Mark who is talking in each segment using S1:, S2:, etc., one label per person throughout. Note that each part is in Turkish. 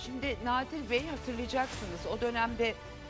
S1: Şimdi Nadir Bey hatırlayacaksınız o dönemde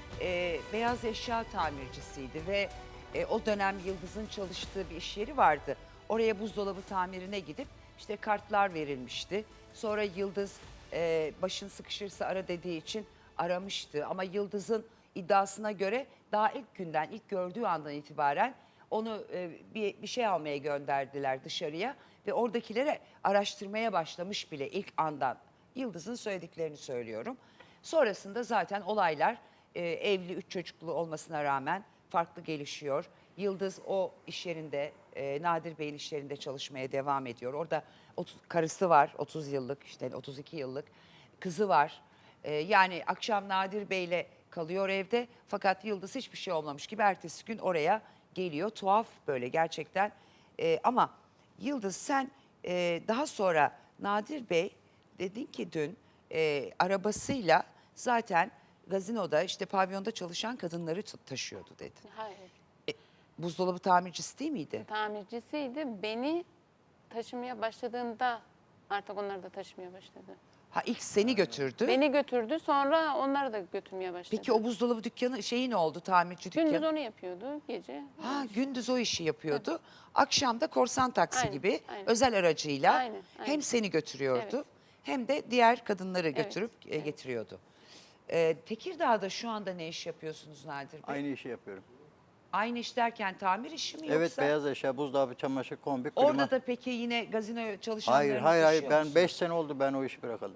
S1: beyaz eşya tamircisiydi ve o dönem Yıldız'ın çalıştığı bir iş yeri vardı. Oraya buzdolabı tamirine gidip işte kartlar verilmişti. Sonra Yıldız başın sıkışırsa ara dediği için aramıştı. Ama Yıldız'ın iddiasına göre daha ilk günden, ilk gördüğü andan itibaren onu bir şey almaya gönderdiler dışarıya. Ve oradakilere araştırmaya başlamış bile ilk andan. Yıldız'ın söylediklerini söylüyorum. Sonrasında zaten olaylar evli 3 çocuklu olmasına rağmen farklı gelişiyor. Yıldız o iş yerinde, Nadir Bey'in iş yerinde çalışmaya devam ediyor. Orada karısı var, 30 yıllık, işte 32 yıllık kızı var. Yani akşam Nadir Bey'le kalıyor evde. Fakat Yıldız hiçbir şey olmamış gibi ertesi gün oraya geliyor. Tuhaf böyle gerçekten. Ama Yıldız sen daha sonra Nadir Bey dedin ki dün arabasıyla zaten gazinoda işte pavyonda çalışan kadınları taşıyordu dedin.
S2: Hayır.
S1: Buzdolabı tamircisi değil miydi?
S2: Tamircisiydi. Beni taşımaya başladığında artık onları da taşımaya başladı.
S1: Ha ilk seni götürdü.
S2: Beni götürdü, sonra onları da götürmeye başladı.
S1: Peki o buzdolabı dükkanı şeyi ne oldu, tamirci dükkanı?
S2: Gündüz onu yapıyordu, gece.
S1: Ha gündüz o işi yapıyordu. Evet. Akşam da korsan taksi
S2: Aynen,
S1: gibi
S2: aynen.
S1: özel aracıyla
S2: Aynen.
S1: hem seni götürüyordu
S2: Evet.
S1: hem de diğer kadınları
S2: Evet,
S1: götürüp
S2: evet.
S1: getiriyordu. Tekirdağ'da şu anda ne iş yapıyorsunuz Nadir Bey?
S3: Aynı işi yapıyorum.
S1: Aynı iş derken tamir işi mi
S3: Evet,
S1: yoksa?
S3: beyaz eşya, buzdolabı, çamaşır, kombi, klima.
S1: Orada da peki yine gazino çalışanlarını
S3: Hayır.
S1: taşıyor
S3: Ben
S1: musun?
S3: 5 sene oldu ben o işi bırakalı.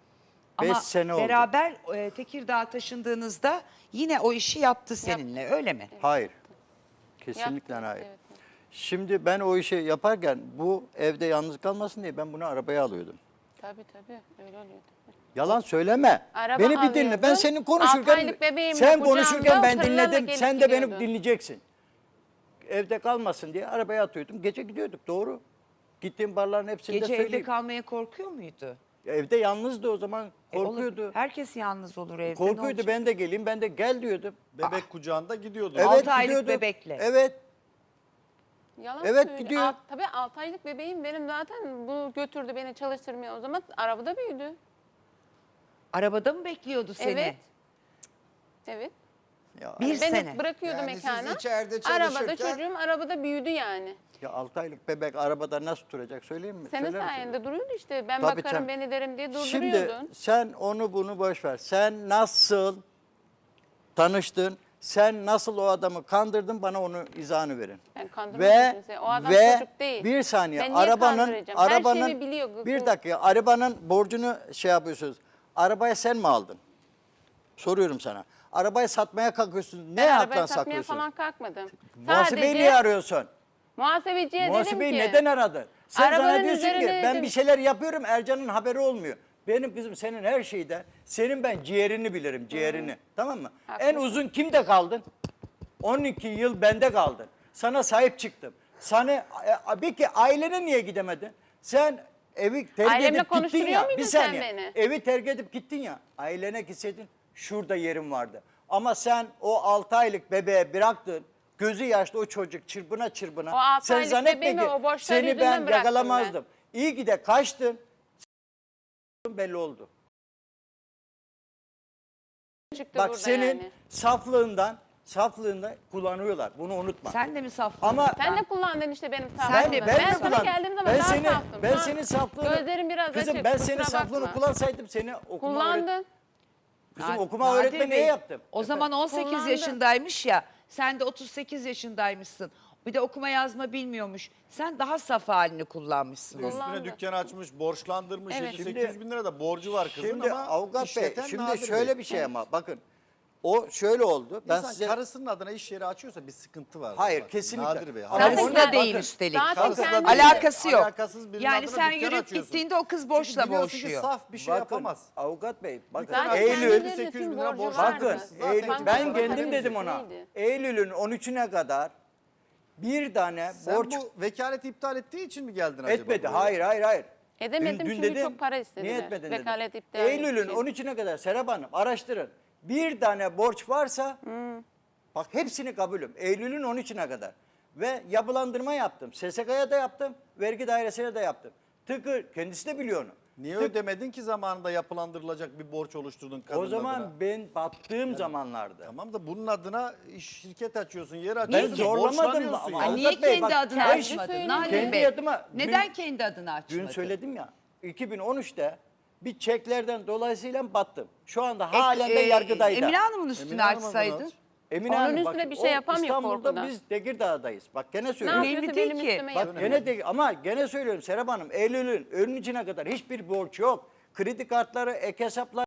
S3: 5
S1: Ama
S3: sene oldu.
S1: beraber Tekirdağ'a taşındığınızda yine o işi yaptı seninle öyle mi?
S3: Hayır. Kesinlikle
S2: Yaptı,
S3: hayır.
S2: evet.
S3: Şimdi ben o işi yaparken bu evde yalnız kalmasın diye ben bunu arabaya alıyordum.
S2: Tabii öyle oluyordu.
S3: Yalan söyleme.
S2: Araba
S3: Beni bir dinle. Ben
S2: alıyordum.
S3: senin
S2: 6
S3: konuşurken
S2: aylık bebeğimle
S3: sen
S2: kucağımda
S3: konuşurken ben
S2: tırlarla
S3: dinledim.
S2: gelip
S3: Sen de beni
S2: gidiyordun.
S3: dinleyeceksin. Evde kalmasın diye arabaya atıyordum. Gece gidiyorduk, doğru. Gittiğim barların hepsinde
S1: Gece evde
S3: söyleyeyim.
S1: kalmaya korkuyor muydu?
S3: Evde yalnızdı o zaman.
S1: Olur.
S3: Korkuyordu.
S1: Herkes yalnız olur evde. ne
S3: Korkuyordu,
S1: olacak?
S3: ben de geleyim, ben de gel diyordum.
S4: Bebek kucağında gidiyordu.
S3: Evet,
S1: 6 aylık
S3: gidiyordum.
S1: bebekle.
S3: Evet.
S2: Yalan
S3: Evet,
S2: söylüyor.
S3: gidiyor.
S2: Tabii 6 aylık bebeğim benim zaten, bu götürdü beni çalıştırmaya, o zaman arabada büyüdü.
S1: Arabada mı bekliyordu seni?
S2: Evet. Evet.
S3: Ya,
S1: Bir
S2: Beni
S1: sene.
S2: bırakıyordu
S4: Yani siz
S2: mekana.
S4: içeride
S2: Arabada
S4: çalışırken-
S2: çocuğum arabada büyüdü yani.
S3: ya 6 aylık bebek arabada nasıl duracak söyleyeyim mi?
S2: Senin
S3: Söyler misin?
S2: sayende duruyordu işte. Ben
S3: Tabii
S2: bakarım
S3: sen-
S2: beni derim diye
S3: Şimdi
S2: durduruyordun.
S3: sen onu bunu boş ver. Sen nasıl tanıştın? Sen nasıl o adamı kandırdın? Bana onu izahını verin.
S2: Ben kandırmadım
S3: Ve
S2: kimseyi. O adam
S3: ve
S2: çocuk değil.
S3: bir saniye
S2: Ben niye kandıracağım? Her
S3: arabanın
S2: şeyi biliyor.
S3: bir dakika arabanın borcunu şey yapıyorsunuz. Arabayı sen mi aldın? Soruyorum sana. Arabayı satmaya kalkıyorsun. Ne
S2: Ben
S3: haktan
S2: arabayı satmaya
S3: saklıyorsun?
S2: falan kalkmadım.
S3: Muhasebeyi niye arıyorsun?
S2: Muhasebeciye
S3: Muhasebeyi
S2: dedim ki.
S3: neden aradın? Sen
S2: Arabanın
S3: sana diyorsun ki
S2: üzerine
S3: ben
S2: dedim.
S3: bir şeyler yapıyorum, Ercan'ın haberi olmuyor. Benim kızım senin her şeyde, senin ben ciğerini bilirim, ciğerini. Tamam mı? En
S2: Haklısın.
S3: uzun kimde kaldın? 12 yıl bende kaldın. Sana sahip çıktım. Sana peki ailene niye gidemedin? Sen evi terk
S2: Ailemle
S3: edip gittin
S2: konuşturuyor
S3: ya.
S2: muydun
S3: Bir
S2: sen
S3: saniye.
S2: beni?
S3: Evi terk edip gittin ya. Ailene gitseydin şurada yerim vardı. Ama sen o 6 aylık bebeğe bıraktın. Gözü yaşlı o çocuk çırpına çırpına.
S2: O 6
S3: Sen
S2: aylık
S3: zannetme
S2: bebeğimi
S3: ki
S2: o borçlar
S3: seni
S2: yüzünden
S3: ben
S2: bıraktım
S3: yakalamazdım. İyi ki de kaçtın. Belli oldu.
S2: Çıktı
S3: Bak
S2: burada
S3: senin
S2: yani.
S3: saflığından kullanıyorlar. Bunu unutma.
S1: Sen de mi safladın?
S3: Ama
S2: Sen de kullandın işte benim
S1: Sen
S2: saflığımı.
S1: de-
S3: ben
S2: Ben
S3: de
S2: sana
S3: kullan.
S2: geldiğim zaman
S3: Ben
S2: daha
S3: seni
S2: saftım.
S3: ben
S2: Şu an
S3: senin saflığını
S2: Gözlerim biraz
S3: kızım
S2: açık.
S3: ben
S2: kusura
S3: senin saflığını
S2: bakma.
S3: kullansaydım seni okuma
S2: Kullandın.
S3: Kızım
S1: Nadir
S3: okuma öğretme
S1: Bey,
S3: niye yaptım?
S1: O zaman 18
S2: Kullandı.
S1: yaşındaymış ya. Sen de 38 yaşındaymışsın. Bir de okuma yazma bilmiyormuş. Sen daha saf halini kullanmışsın. onu.
S2: Kullandı.
S4: Üstüne dükkan açmış, borçlandırmış.
S2: Evet.
S4: 700-800 bin lira da borcu var kızın
S3: Şimdi
S4: ama
S3: avukat bey
S4: işleten
S3: şimdi
S4: Nadir
S3: şöyle
S4: Bey.
S3: bir şey ama bakın o şöyle oldu. Ben
S4: İnsan
S3: size
S4: karısının adına iş yeri açıyorsa bir sıkıntı var.
S3: Hayır,
S4: Bak,
S3: kesinlikle.
S4: Nadir Bey.
S3: Ama
S1: Karısı
S3: onu-
S1: da değil
S3: bakın,
S1: üstelik.
S2: Zaten
S4: Karısı da
S2: kendi-
S4: değil.
S1: Alakası yok.
S4: Alakasız birinin
S1: Yani
S4: adına
S1: sen
S4: dükkan
S1: yürüyüp
S4: açıyorsun.
S1: gittiğinde o kız borçla
S4: Çünkü biliyorsun ki
S1: boğuşuyor.
S4: saf bir şey
S3: bakın,
S4: yapamaz.
S3: avukat bey bakın
S2: Zaten
S3: Eylül
S2: kendilerinin
S4: 800 bin
S2: tüm
S4: lira
S2: borcu
S4: borcu
S2: vardı.
S3: bakın
S4: Zaten
S3: Eylül,
S2: Banka
S3: ben
S2: soran
S3: kendim
S2: tabii
S3: dedim ona.
S2: birisiydi.
S3: Eylül'ün 13'üne kadar bir tane
S4: Sen
S3: borç
S4: bu vekaleti iptal ettiği için mi geldin acaba?
S3: etmedi.
S4: buraya?
S3: Hayır.
S2: Edemedim çünkü çok para istediler.
S3: Niye etmedin dedim.
S2: Vekalet iptal
S3: Eylül'ün
S2: için.
S3: 13'üne kadar Serap Hanım araştırın. Bir tane borç varsa bak hepsini kabulüm. Eylül'ün 13'üne kadar. Ve yapılandırma yaptım. SSK'ya da yaptım. Vergi dairesine de yaptım. Tıkır kendisi de biliyor onu.
S4: Niye ödemedin ki zamanında yapılandırılacak bir borç oluşturdun kadının
S3: O zaman
S4: adına?
S3: ben battığım zamanlarda.
S4: Tamam da bunun adına şirket açıyorsun, yer
S3: Ben
S4: açıyorsun.
S3: zorlamadım
S4: borçlanıyorsun
S3: ama.
S4: ya.
S1: Ay, niye
S3: Avukat Bey,
S1: kendi
S3: bak,
S1: adını
S3: ben
S1: açmadın?
S2: söyleyeyim.
S1: Nadir
S3: Kendi
S1: Bey,
S3: adıma
S1: neden kendi adını açmadın?
S3: Dün söyledim ya. 2013'te bir çeklerden dolayısıyla battım. Şu anda halen de yargıdaydı.
S1: Emine Hanım'ın üstüne
S4: Emine Hanım'a
S1: açsaydın.
S4: bunu aç.
S3: Emine
S2: Onun
S3: Hanım,
S2: üstüne
S3: bak,
S2: bir şey
S3: o
S2: yapamıyor
S3: İstanbul'da
S2: korkudan.
S3: biz Tekirdağ'dayız. Bak gene
S2: Ne
S3: söylüyorum.
S1: Önemli
S2: yapıyorsa
S1: değil
S2: benim
S1: ki.
S2: üstüme
S3: Bak
S2: yapıyor.
S3: gene ama gene söylüyorum Serap Hanım, Eylül'ün önün içine kadar hiçbir borç yok. Kredi kartları, ek hesaplar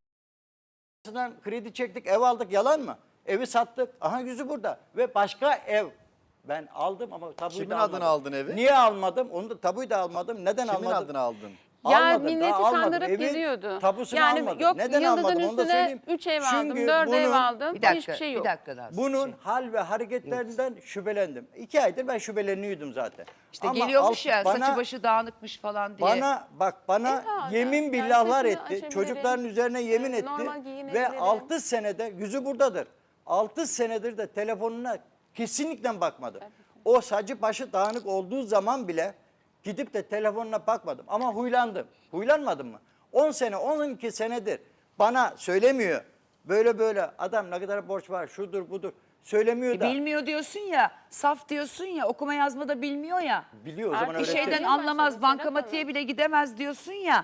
S3: kredi çektik, ev aldık, yalan mı? Evi sattık. Aha yüzü burada. Ve başka ev ben aldım ama tabuyu
S4: Kimin
S3: da
S4: adına
S3: almadım.
S4: aldın evi?
S3: Niye almadım? Onu da tabuyu da almadım. Neden
S4: Kimin
S3: almadım?
S4: adına aldın?
S2: Ya
S3: Almadım,
S2: milleti
S3: daha almadım.
S2: kandırıp
S3: Evin
S2: geziyordu.
S3: Tabusunu
S2: Yani
S3: almadım.
S2: yok,
S3: Neden
S2: Yıldız'ın
S3: almadım onu da
S2: üstüne
S3: söyleyeyim.
S2: 3 ev aldım,
S3: Çünkü
S2: 4 ev
S3: bunun-
S2: aldım.
S1: Bir dakika,
S2: Hiçbir şey yok.
S1: bir dakika daha.
S3: Bunun hal ve hareketlerinden şüphelendim. 2 aydır ben şüpheleniyordum zaten.
S1: İşte
S3: Ama
S1: geliyormuş ya
S3: bana-
S1: saçı başı dağınıkmış falan diye.
S3: Bana
S2: Evladım,
S3: yemin
S2: yani
S3: billahlar
S2: saçını
S3: etti.
S2: açabilirim.
S3: Çocukların üzerine yemin etti.
S2: Normal
S3: Ve
S2: giyinebilirim.
S3: 6 senede yüzü buradadır. 6 senedir de telefonuna kesinlikle bakmadım. O saçı başı dağınık olduğu zaman bile gidip de telefonuna bakmadım. Ama huylandım. Huylanmadım mı? 10 sene, 12 senedir bana söylemiyor. Böyle adam ne kadar borç var, şudur budur. Söylemiyor da.
S1: Bilmiyor diyorsun ya, saf diyorsun ya, okuma yazma da bilmiyor ya.
S3: Biliyor o zaman
S2: Artık
S1: Bir
S3: öğretti.
S1: şeyden
S2: Öğretmeye
S1: anlamaz,
S2: başladı
S1: bankamatiğe
S2: Serap
S1: bile gidemez diyorsun ya.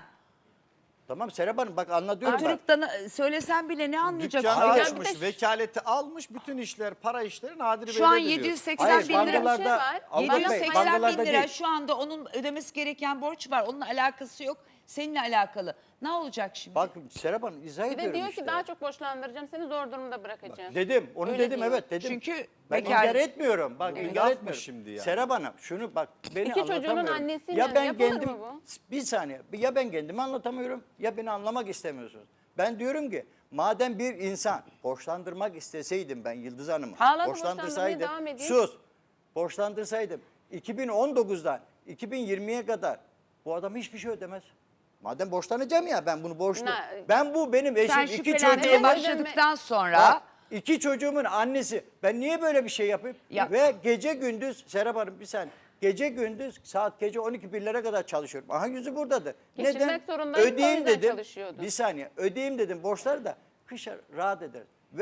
S3: Tamam Serap Hanım bak anlatıyorum bak.
S1: Oturup da söylesen bile ne anlayacak?
S4: Dükkanı
S3: Hayır.
S4: açmış, vekaleti almış, bütün işler, para işleri Nadir Bey'de
S1: Şu an
S4: diyor.
S1: 780
S3: Hayır,
S1: bin lira.
S3: bankalarda,
S2: şey var.
S3: Avukat Bey,
S1: 780 bin
S3: bankalarda
S1: lira
S3: değil.
S1: şu anda onun ödemesi gereken borç var. Onunla alakası yok. Seninle alakalı. Ne olacak şimdi?
S3: Bak Serap Hanım izah
S2: Bir de
S3: ediyorum
S2: diyor
S3: işte.
S2: ki daha çok borçlandıracağım seni, zor durumda bırakacağım.
S3: Dedim, onu
S2: Öyle
S3: dedim
S2: diyor.
S3: evet dedim.
S1: Çünkü
S3: ben
S1: bekar-
S3: inkar etmiyorum. Bak
S4: Evet.
S3: inkar
S4: Laf mı
S3: etmiyorum.
S4: şimdi yani?
S3: Serap Hanım şunu bak beni
S2: İki çocuğunun
S3: anlatamıyorum.
S2: annesiyle
S3: Ya ben
S2: yapılır
S3: kendim
S2: mı bu?
S3: bir saniye ya ben kendimi anlatamıyorum ya beni anlamak istemiyorsunuz. Ben diyorum ki madem bir insan borçlandırmak isteseydim ben Yıldız Hanım'ı
S2: Hala da
S3: borçlandırsaydım
S2: borçlandırmaya devam ediyor.
S3: sus borçlandırsaydım 2019'dan 2020'ye kadar bu adam hiçbir şey ödemez. Madem borçlanacağım ya ben bunu borçlu. Ben bu benim eşim
S1: Sen
S3: iki
S1: şüphelenmeye
S3: çocuğum.
S1: başladıktan sonra
S3: Bak, 2 çocuğumun annesi. Ben niye böyle bir şey yapayım?
S1: Ya-
S3: Ve gece gündüz Serap Hanım bir saniye. Gece gündüz saat gece 12-1'lere kadar çalışıyorum. Aha yüzü buradadır.
S2: Geçinmek zorundayım, o
S3: Ödeyeyim
S2: yüzden
S3: dedim.
S2: çalışıyordu.
S3: Bir saniye. Ödeyeyim dedim borçları da kışa rahat ederiz. Ve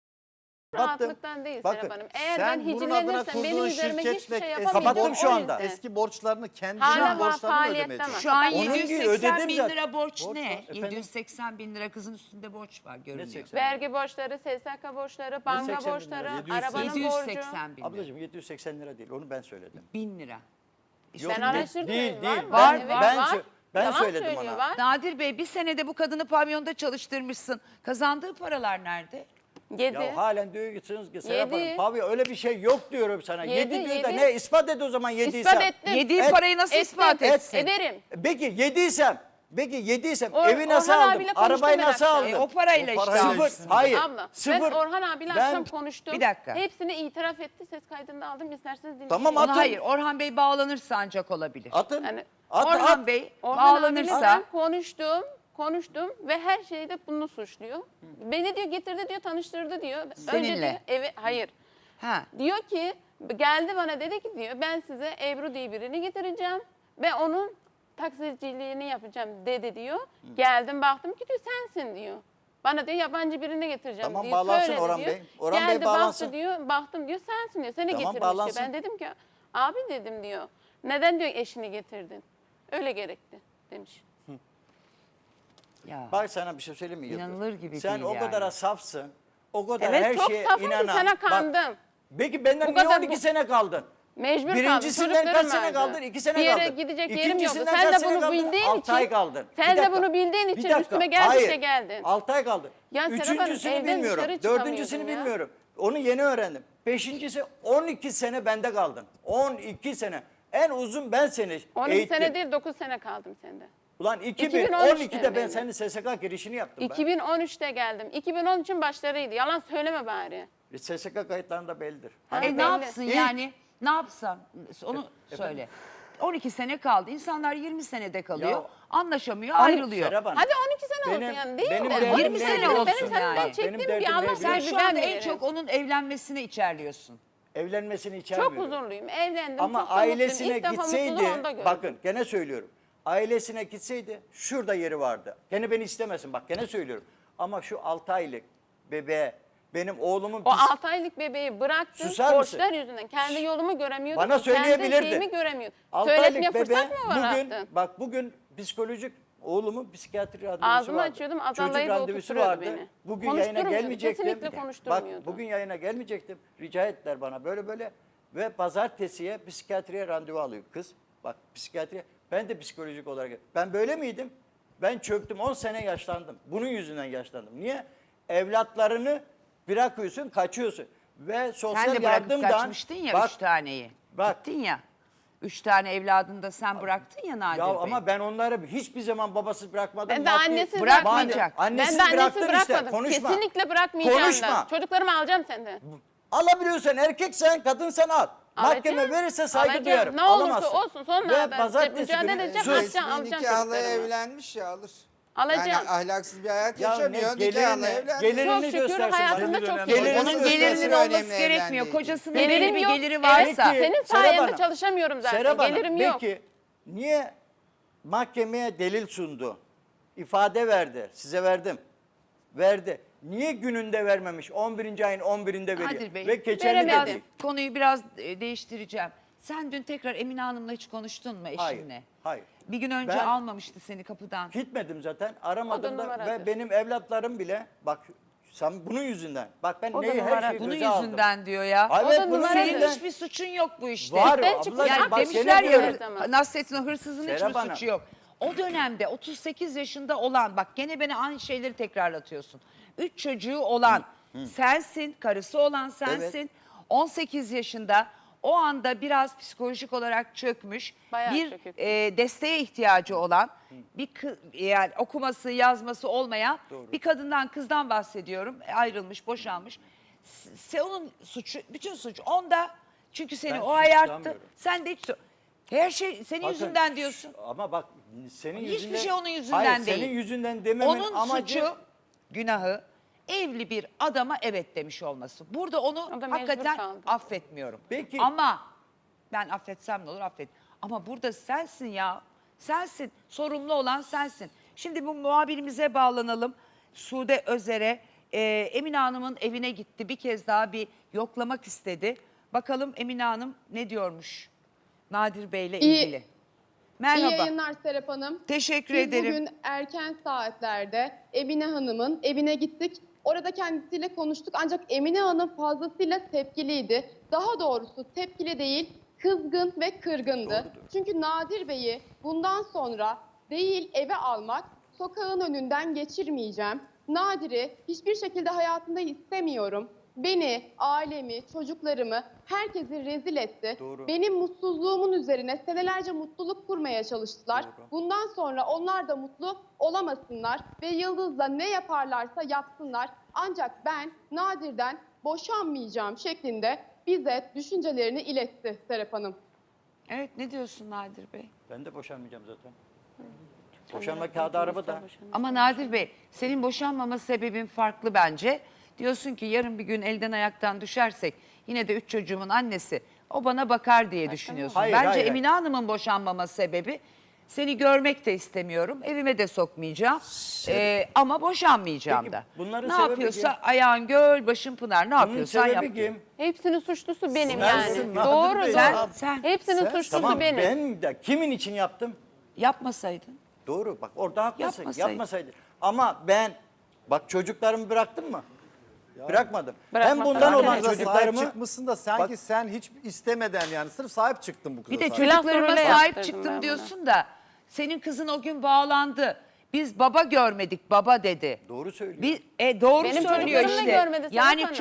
S2: Rahatlıktan değil
S3: bakın,
S2: Serap Hanım. Eğer
S4: Sen
S2: ben
S4: bunun adına
S2: hicilenirsem benim
S4: kurduğun
S2: üzerime hiçbir
S4: şirketle
S2: şey
S4: eski
S2: yapamayacağım.
S3: Kapattım şu
S2: o
S3: anda.
S2: yüzden.
S4: Eski borçlarını kendine
S2: Hala
S4: borçlarını
S2: faaliyette
S4: ödemeye
S2: ama.
S1: şu an
S3: Onun gibi
S1: 780
S3: ödedim
S1: bin
S3: zaten.
S1: lira borç
S3: Borç
S1: ne?
S3: var, efendim?
S1: 780 bin lira kızın üstünde borç var görünüyor.
S3: 80?
S2: Vergi borçları, SSK borçları, banka
S3: 780 bin lira,
S2: borçları,
S4: 780
S2: arabanın borcu.
S1: 780 bin lira.
S3: Ablacığım 780 lira değil onu ben söyledim.
S1: 1000 lira.
S3: Yok,
S2: Ben araştırdım.
S3: değil,
S2: var,
S3: değil.
S2: var,
S1: Var,
S2: evet,
S3: ben
S2: var.
S3: sö- ben
S2: Yalan
S3: söyledim
S2: söylüyor,
S3: ona.
S2: var.
S1: Nadir Bey bir senede bu kadını pavyonda çalıştırmışsın. Kazandığı paralar nerede?
S2: Yedi.
S3: Ya halen diyorsunuz ki Serap
S2: Yedi.
S3: Hanım pavyon öyle bir şey yok diyorum sana.
S2: Yedi,
S3: 7 diyor da
S2: yedi.
S3: ne ispat et o zaman yediysem.
S2: İspat ettim.
S1: Yediği
S3: Et-
S1: parayı nasıl ispat etsin?
S2: Ederim.
S3: Peki yediysem
S2: O-
S3: evi nasıl
S2: Orhan
S3: aldım?
S2: abiyle konuştum
S3: Arabayı
S2: ben
S3: nasıl
S2: akşam.
S3: aldım?
S1: O parayla
S4: O
S1: işte.
S4: parayla
S3: Sıfır. Hayır.
S2: Abla
S3: Sıfır.
S2: ben Orhan abiyle
S3: Ben-
S2: akşam konuştum.
S1: Bir dakika.
S2: Hepsini itiraf etti. Ses kaydını aldım. İsterseniz dinleyin.
S3: Tamam,
S1: Ona
S3: atın.
S1: hayır Orhan Bey bağlanırsa ancak olabilir.
S3: Atın.
S2: Yani
S3: At,
S1: Orhan
S3: at.
S1: Bey
S2: Orhan abiyle
S1: bağlanırsa
S2: ben konuştum ve her şeyde bunu suçluyor. Beni diyor getirdi diyor, tanıştırdı diyor. Önce
S1: Seninle.
S2: diyor hayır.
S1: ha.
S2: Diyor ki geldi bana dedi ki diyor ben size Ebru diye birini getireceğim ve onun taksiciliğini yapacağım dedi diyor. Geldim baktım ki diyor sensin diyor. Bana diyor yabancı birini getireceğim
S3: Tamam,
S2: diyor.
S3: bağlansın
S2: Söyledi
S3: Orhan
S2: diyor.
S3: Bey. Orhan Bey
S2: Geldi
S3: bağlansın.
S2: baktı diyor. Baktım diyor sensin diyor. Seni
S3: Tamam,
S2: getirmiş
S3: bağlansın.
S2: diyor. Ben dedim ki abi dedim diyor. Neden diyor eşini getirdin? Öyle gerekti demiş.
S1: Ya.
S3: Bak sana bir şey söyleyeyim mi? Yıldız?
S1: İnanılır gibi
S3: Sen
S1: değil
S3: o
S1: yani.
S3: kadar safsın. O kadar
S2: Evet,
S3: her
S2: çok
S3: şeye
S2: safım ki
S3: inanan.
S2: sana
S3: Bak,
S2: kandım.
S3: peki benden
S2: Bu
S3: niye
S2: kadar
S3: 12 sene kaldın?
S2: Mecbur kaldım.
S3: Birincisinden kaç
S2: Çocuklarım
S3: sene
S2: vardı.
S3: kaldın? 2 sene
S2: Bir yere
S3: kaldın.
S2: gidecek yerim yoktu.
S3: İkincisinden
S2: Sen
S3: kaç
S2: de
S3: sene
S2: bunu
S3: kaldın?
S2: bildiğin
S3: 6 ay
S2: için.
S3: kaldın.
S2: Sen
S3: Bir
S2: de
S3: dakika.
S2: bunu bildiğin
S3: Bir
S2: için
S3: dakika.
S2: üstüme geldikçe
S3: Hayır.
S2: geldin.
S3: 6 ay kaldı.
S2: Ya Serap Hanım,
S3: Üçüncüsünü
S2: evden
S3: bilmiyorum.
S2: dışarı
S3: Dördüncüsünü
S2: çıkamıyordum ya.
S3: bilmiyorum. Onu yeni öğrendim. Beşincisi 12 sene bende kaldın. 12 sene. En uzun ben seni
S2: 12
S3: eğittim.
S2: sene değil 9 sene kaldım sende.
S3: Ulan
S2: 2013'te
S3: 2012'de ben
S2: ben.
S3: senin SSK girişini yaptım
S2: 2013'te geldim. 2013'ün başlarıydı. Yalan söyleme bari.
S3: ben. SSK kayıtlarında bellidir.
S2: Ha,
S1: E
S2: belli.
S1: ne yapsın
S3: İlk-
S1: yani? Ne yapsam? Onu söyle. 12 sene kaldı. İnsanlar 20 senede kalıyor.
S3: Ya-
S1: anlaşamıyor, ayrılıyor.
S3: Serap Hanım,
S2: Hadi 12 sene
S3: Benim-
S2: olsun yani değil
S3: benim
S2: mi?
S3: derdim
S1: 20
S3: ne
S1: sene
S3: biliyor
S1: olsun
S3: musun?
S2: Benim senden
S1: yani.
S3: Benim
S2: çektiğim
S3: derdim
S2: bir
S3: ne
S2: Allah
S3: biliyor
S1: Sen
S2: sahibi
S1: şu
S2: ben
S1: anda en
S2: bilirim.
S1: çok onun evlenmesini içerliyorsun.
S3: Evlenmesini
S2: Çok
S3: içermiyorum.
S2: huzurluyum. Evlendim.
S3: Ama
S2: çok da mutluyum.
S3: ailesine
S2: İlk defa
S3: gitseydi,
S2: mutluluğu onda gördüm.
S3: bakın gene söylüyorum. ailesine gitseydi şurada yeri vardı. Gene beni istemesin, bak gene söylüyorum. Ama şu 6 aylık bebeğe, benim oğlumun
S2: O 6 aylık bebeği bıraktın
S3: Susar mısın?
S2: borçlar yüzünden. Kendi yolumu göremiyordum.
S3: Bana
S2: ki, kendi
S3: söyleyebilirdi.
S2: şeyimi göremiyordum.
S3: 6
S2: Söyletmeye
S3: aylık bebe
S2: fırsat mı
S3: bugün,
S2: bıraktın?
S3: bak bugün psikolojik oğlumun psikiyatri randevusu
S2: Ağzımı
S3: vardı.
S2: açıyordum,
S3: Çocuk
S2: azallayıp
S3: randevusu
S2: oturtuyordu
S3: vardı.
S2: beni.
S3: Bugün yayına
S2: Konuşturmuyordu,
S3: gelmeyecektim.
S2: kesinlikle
S3: Bak
S2: konuşturmuyordu.
S3: bugün yayına gelmeyecektim. Rica ettiler bana böyle böyle. Ve pazartesiye psikiyatriye randevu alıyor kız. Bak psikiyatriye. Ben de psikolojik olarak. Ben böyle miydim? Ben çöktüm. 10 sene yaşlandım. Bunun yüzünden yaşlandım. Niye? Evlatlarını bırakıyorsun, kaçıyorsun. Ve sosyal
S1: Sen de bırakıp
S3: yardımdan...
S1: kaçmıştın ya
S3: bak,
S1: 3 taneyi.
S3: bak.
S1: Gittin ya. 3 tane evladını da sen bıraktın ya Nadir
S3: Ya
S1: Bey.
S3: ama ben onları hiçbir zaman babasız bırakmadım.
S2: Ben de
S3: Maddi-
S2: annesiz
S1: bırakmayacak.
S2: bırakmadım.
S3: Annesiz
S2: Ben de annesiz
S3: bıraktın işte,
S2: bırakmadım.
S3: konuşma.
S2: Kesinlikle bırakmayacağım
S3: Konuşma.
S2: da. Çocuklarımı alacağım senden.
S3: Alabiliyorsan erkeksen, kadınsan al. Mahkeme
S2: Alacağım,
S3: verirse saygı
S2: alacağım.
S3: duyarım.
S2: Ne olursa
S3: Alamazsın.
S2: olsun, sonra
S3: Ve
S2: ben
S3: pazartesi
S2: mücadele
S3: günü
S2: edeceğim,
S3: sus.
S2: alacağım
S5: Resmi
S2: çocuklarımı.
S5: nikahla evlenmiş ya alır.
S2: Alacağım.
S5: Yani ahlaksız bir hayat
S3: Ya
S5: yaşamıyor.
S3: ne
S5: Nikahla
S3: gelirini,
S5: evlenmiş.
S3: gelirini
S2: Çok şükür
S3: göstersin.
S2: hayatımda
S3: bana.
S2: çok
S3: Gelirini
S2: iyi.
S1: Onun
S3: göstersin.
S1: gelirinin
S5: önemli
S1: olması gerekmiyor.
S5: evlendiği
S1: Kocasının
S2: Gelirim
S1: belli bir
S2: yok.
S1: geliri
S2: Evet,
S1: varsa.
S2: senin
S3: Serap
S2: sayende
S3: Hanım,
S2: çalışamıyorum zaten.
S3: Serap Hanım,
S2: Gelirim yok.
S3: peki niye mahkemeye delil sundu? İfade verdi. Size verdim. Verdi. Niye gününde vermemiş? 11. ayın 11'inde veriyor.
S1: Nadir Bey,
S3: Ve geçerli
S2: veremedim.
S3: değil.
S1: konuyu biraz değiştireceğim. Sen dün tekrar Emine Hanım'la hiç konuştun mu
S3: Hayır.
S1: eşinle?
S3: Hayır.
S1: Bir gün önce
S3: Ben-
S1: almamıştı seni kapıdan.
S3: Gitmedim zaten.
S2: O da
S3: Aramadım da
S2: numaradır.
S3: ve benim evlatlarım bile bak sen bunun yüzünden. Bak ben
S2: O da
S3: neyi her
S2: numara.
S3: şeyi
S1: Bunun
S3: göze aldım.
S1: yüzünden diyor ya.
S3: Evet,
S2: O da
S3: bunun
S2: numaradır.
S1: Senin
S3: yüzünden.
S1: hiçbir suçun yok bu işte.
S3: Var
S2: Ben
S3: o
S2: çıkacağım.
S3: ablacığım.
S1: Yani
S3: Bak
S1: demişler
S3: gene
S1: ya
S3: diyorum.
S1: Nasrettin o hırsızın
S3: Serap
S1: hiçbir
S3: Hanım.
S1: suçu yok. O dönemde 38 yaşında olan, bak gene beni aynı şeyleri tekrarlatıyorsun. 3 çocuğu olan sensin, karısı olan sensin. 18 yaşında o anda biraz psikolojik olarak çökmüş,
S2: Bayağı
S1: bir
S2: çökük.
S1: desteğe ihtiyacı olan, bir yani okuması, yazması olmayan bir kadından, kızdan bahsediyorum. Ayrılmış, boşanmış. Onun suçu, bütün suç onda. Çünkü seni
S3: Ben
S1: o ayarttı.
S3: suçlamıyorum.
S1: Sen de hiç her şey senin
S3: Bakın,
S1: yüzünden diyorsun.
S3: Ama bak senin
S1: Hiçbir
S3: yüzünden.
S1: şey onun yüzünden
S3: Hayır,
S1: değil.
S3: senin yüzünden dememin
S1: Onun
S3: amacı.
S1: suçu, günahı evli bir adama evet demiş olması. Burada onu
S2: O da mecbur
S1: hakikaten
S2: kaldı.
S1: affetmiyorum.
S3: Peki.
S1: Ama ben affetsem ne olur affet. Ama burada sensin ya. Sensin. Sorumlu olan sensin. Şimdi bu muhabirimize bağlanalım. Sude Özer'e Emine Hanım'ın evine gitti. Bir kez daha bir yoklamak istedi. Bakalım Emine Hanım ne diyormuş Nadir Bey'le ilgili.
S6: İyi
S1: Merhaba.
S6: yayınlar Serap Hanım.
S1: Teşekkür
S6: Biz
S1: ederim.
S6: bugün erken saatlerde Emine Hanım'ın evine gittik. Orada kendisiyle konuştuk ancak Emine Hanım fazlasıyla tepkiliydi. Daha doğrusu tepkili değil, kızgın ve kırgındı. Çünkü Nadir Bey'i bundan sonra değil eve almak, sokağın önünden geçirmeyeceğim. Nadir'i hiçbir şekilde hayatımda istemiyorum. Beni, ailemi, çocuklarımı, herkesi rezil etti.
S3: Doğru.
S6: Benim mutsuzluğumun üzerine senelerce mutluluk kurmaya çalıştılar.
S3: Doğru.
S6: Bundan sonra onlar da mutlu olamasınlar ve Yıldız'la ne yaparlarsa yapsınlar. Ancak ben Nadir'den boşanmayacağım şeklinde bize düşüncelerini iletti Serap Hanım.
S1: Evet, ne diyorsun Nadir Bey?
S3: Ben de boşanmayacağım zaten. Boşanma kağıdı arabada.
S1: Ama Nadir Bey, senin boşanmama sebebin farklı bence. Diyorsun ki yarın bir gün elden ayaktan düşersek yine de 3 çocuğumun annesi o bana bakar diye düşünüyorsun.
S3: Hayır,
S1: Bence
S3: hayır.
S1: Emine Hanım'ın boşanmama sebebi seni görmek de istemiyorum. Evime de sokmayacağım. Ama boşanmayacağım
S3: Peki,
S1: da.
S3: bunların
S1: Ne
S3: sebebi
S1: yapıyorsa
S3: kim?
S1: ayağın göl, başın pınar. Ne
S3: Bunun
S1: yapıyorsan yap.
S3: sebebi
S1: diyor.
S3: kim?
S2: Hepsinin suçlusu benim
S3: Sensin,
S2: yani.
S3: Nadir
S2: Doğru,
S3: Bey.
S2: doğru.
S1: Sen
S2: Hepsinin suçlusu
S3: Tamam
S2: benim.
S3: ben de kimin için yaptım?
S1: yapmasaydın.
S3: Doğru bak orada haklısın.
S1: Yapmasaydın.
S3: Yapmasaydı. Ama ben bak çocuklarımı bıraktım mı? Bırakmadım.
S2: Bırakmak
S3: Hem bundan
S2: da
S3: olan
S2: var.
S4: Kıza
S3: çocuklarımı
S4: sahip çıkmışsın da sanki
S3: Bak-
S4: sen hiç istemeden yani sırf sahip çıktın bu kıza.
S1: Bir de
S4: sahip.
S1: çocuklarıma
S2: öyle
S1: sahip
S2: yaptırdım
S1: çıktım
S2: ben buna.
S1: diyorsun da çocuğun kızın o gün bağlandı. Biz baba görmedik, baba dedi.
S3: Doğru söylüyor.
S1: Doğru
S2: Benim
S1: söylüyor
S2: çocuklarım da
S1: işte.
S2: görmedi Serap
S1: Yani
S2: Hanım.